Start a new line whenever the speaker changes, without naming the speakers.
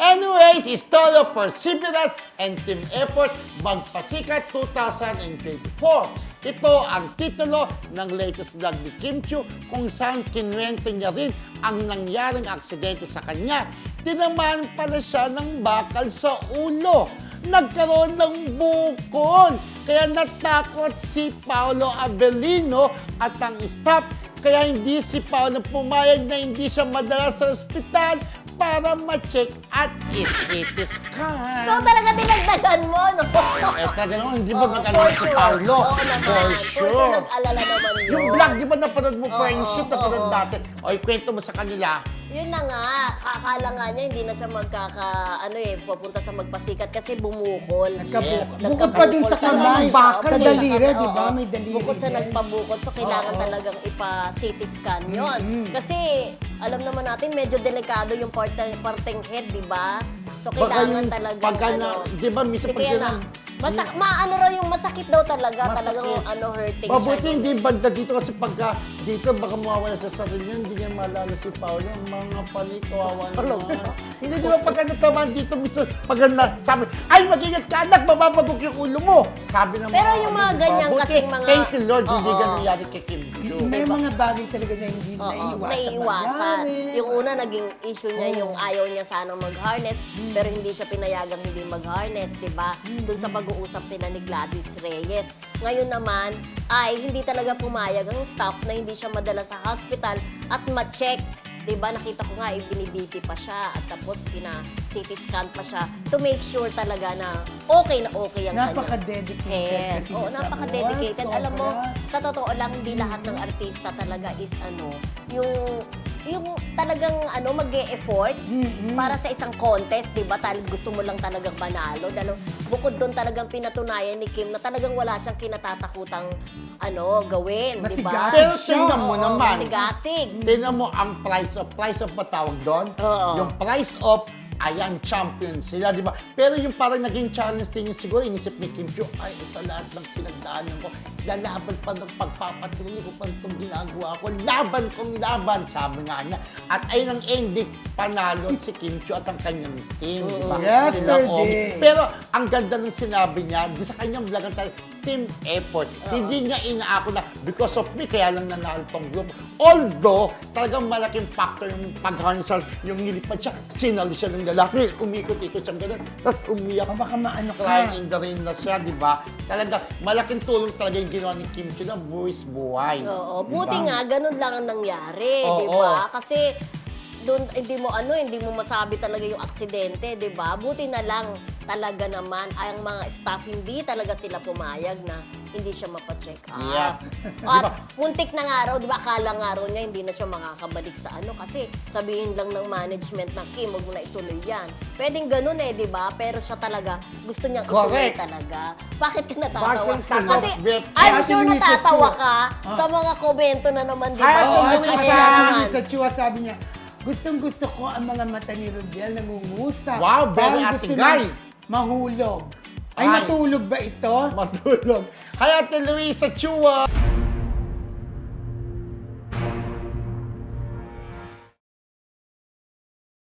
Anyways, Story of Perseverance and Team Effort Magpasikat 2024. Ito ang titulo ng latest vlog ni Kim Chiu kung saan kinuwento niya rin ang nangyaring aksidente sa kanya. Tinamaan pala siya ng bakal sa ulo. Nagkaroon ng bukol. Kaya natakot si Paolo Avellino at ang staff. Kaya hindi si Paolo pumayag na hindi siya madala sa ospital para ma-check at i-CT scan.
Ikaw talaga dinagdagan mo, no?
Talaga naman, hindi ba nag-alala si Paolo?
Oo naman.
For sure.
Nag-alala naman yun.
Yung vlog, di ba napanood mo,
Oo,
friendship, napanood
oo.
dati. O, ikwento mo sa kanila.
Yun na nga, akala nga niya hindi na siya pupunta sa magpasikat kasi bumukol.
Yes.
Bukod pa din sa kamay,
bakal
sa
eh.
daliri, di ba?
Oo.
May daliri
Bukod sa
din.
nagpabukol, so kailangan talagang ipa-CT scan yun. Kasi alam naman natin, medyo delikado yung parteng head, di ba? So kailangan talaga
di ba, minsan pag
kaya maano raw yung masakit daw talaga,
Masakit.
talagang hurting
Mabuti
siya.
hindi banda dito kasi pagka dito baka mawawala sa sarili niya, hindi niya maalala si Paolo. Mga panik, kawawa naman. Hindi di ba pagka natamaan dito, minsan pagka sabi, ay mag-ingat ka anak, mababagok yung ulo mo. Sabi ng
Pero yung mga
di ba?
ganyan
Buti,
kasing mga-
thank you Lord, hindi
Oo.
ganun nangyari kay Kim Chiu.
May mga bagay talaga na hindi
Oo,
naiiwasan.
naiiwasan.
mangyari.
Yung una, naging issue niya yung ayaw niya sanang mag-harness, pero hindi siya pinayagang hindi mag-harness, di ba? Doon sa pag-uusap nila ni Gladys Reyes. Ngayon naman, ay hindi talaga pumayag ang staff na hindi siya madala sa hospital at ma-check. Diba, nakita ko nga, binibiti pa siya at tapos pina-CT scan pa siya to make sure talaga na okay ang kanyang
Napaka-dedicated
head.
kasi
Oo,
sa
napaka-dedicated.
work,
Alam mo,
sobra.
sa totoo lang, hindi lahat ng artista talaga is yung talagang mag-e-effort para sa isang contest, di ba? Gusto mo lang talagang manalo. Dahil bukod doon talagang pinatunayan ni Kim na talagang wala siyang kinatatakutang gawin, di ba?
Masigasig
Pero
siya.
tingnan mo
Oo,
naman.
masigasig.
Tingnan mo ang price of ba tawag doon?
Oo.
Yung price of, ayan, champion sila, di ba? Pero yung parang naging challenge din yung siguro, inisip ni Kim Chiu, ay, sa lahat ng pinagdaanan ko, lalaban pa ng pagpapatuloy ko pa itong ginagawa ko, laban kong laban, sabi nga niya. At ayun ang ending, panalo si Kim Chiu at ang kanyang team, di ba?
Yesterday.
Sila Omi. Pero ang ganda ng sinabi niya, di sa kanyang vlog ang team effort. Hindi niya inaako na because of me, kaya lang nanalo tong group. Although, talagang malaking factor yung pag-hansel, yung nilipad siya, sinalo siya ng lalaki, umikot-ikot siyang gano'n, tapos umiyak.
Baka maano ka.
Crying in the rain na siya, di ba? Talaga, malaking tulong talaga yung ginawa ni Kim Chiu na buwis buhay.
Oo, buti
Diba?
nga, ganun lang ang nangyari,
Oo.
di ba? Kasi doon hindi mo masabi talaga yung aksidente, 'di ba? Buti na lang talaga naman ang mga staff hindi talaga sila pumayag na hindi siya mapa-check up.
Yeah.
At muntik na nga raw, 'di ba? Akala nga raw niya hindi na siya makakabalik sa kasi sabihin lang ng management na Kim, wag mo na ituloy 'yan. Pwedeng ganun 'di ba? Pero siya talaga gusto niyang ituloy
Correct.
talaga. Bakit ka natatawa?
Bakit ka
Kasi
natawa?
I'm
Ate
sure
Luisa
natatawa
Chua.
ka sa mga komento na naman, 'di
Ay,
ba?
Ate
Oo, at
Luisa.
saka
naman.
sa Chua sabi niya, gustong-gusto ko ang mga mata ni Rodel nangungusap.
Wow, very
Parang
Ate
gusto
Guy.
niya mahulog. Ay,
Ay.
matulog ba ito?
Matulog. Hi, Ate Luisa Chua!